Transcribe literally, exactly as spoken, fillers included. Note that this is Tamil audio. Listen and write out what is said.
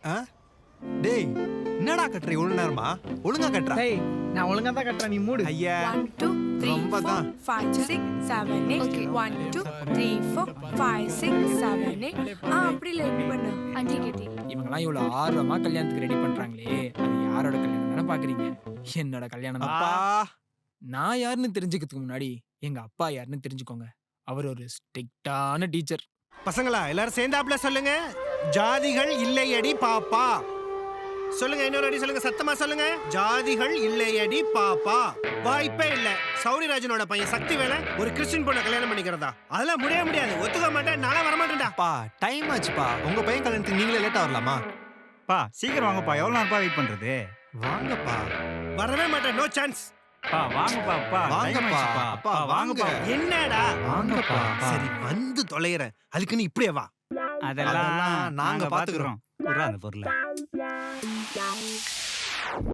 டேய் என்னடா கட்டுற இவ்வளவு நேரமா? ஒழுங்கா கட்டுறா. டேய் நான் ஒழுங்கா தான் கட்டுறேன், நீ மூடு. ஐயா one two three ரொம்ப four தான். five six seven eight one two three four five six seven eight ஆ அப்படி இல்ல இப்படி பண்ணு. அஞ்சு கேட்டி. இவங்கெல்லாம் இவ்வளவு ஆர்வமா கல்யாணத்துக்கு ரெடி பண்றாங்களே, அது யாரோட கல்யாணம் தானே பாக்குறீங்க? என்னோட கல்யாணம் தான். அப்பா நான் யாருன்னு தெரிஞ்சுக்கிறதுக்கு முன்னாடி எங்க அப்பா யாருன்னு தெரிஞ்சுக்கோங்க. அவர் ஒரு ஸ்ட்ரிக்டான டீச்சர். பசங்களா எல்லாரும் சேர்ந்தாப்ல சொல்லுங்க. ஜாதிகள் இல்லையடி பாப்பா. சொல்லுங்க இன்னொரு அடி சொல்லுங்க, சத்தமா சொல்லுங்க. ஜாதிகள் இல்லையடி பாப்பா. வாய்ப்பே இல்ல. சௌரிராஜனோட பையன் சக்தி வேலை ஒரு கிறிஸ்டின் பொண்ணை கல்யாணம் பண்ணிக்கிறதா? அதெல்லாம் முடிய முடியாது. ஒத்துக்க மாட்டேன், நாளா வர மாட்டேன்டா. பா டைம் ஆச்சுப்பா. உங்க பையன் கல்யாணத்துக்கு நீங்களே லேட்டா வரலாமா? பா சீக்கிரம் வாங்கப்பா, எவ்வளவு நேரப்பா வெயிட் பண்றது? வாங்கப்பா. வரவே மாட்டேன், நோ சான்ஸ். பா வாங்கப்பா, அப்பா வாங்கப்பா. அப்பா வாங்கப்பா. என்னடா வாங்கப்பா. சரி வந்து தொலைறேன். அதுக்கு நீ இப்படியே வா. அதெல்லாம் நாங்க பாத்துக்கிறோம். அந்த பொருளை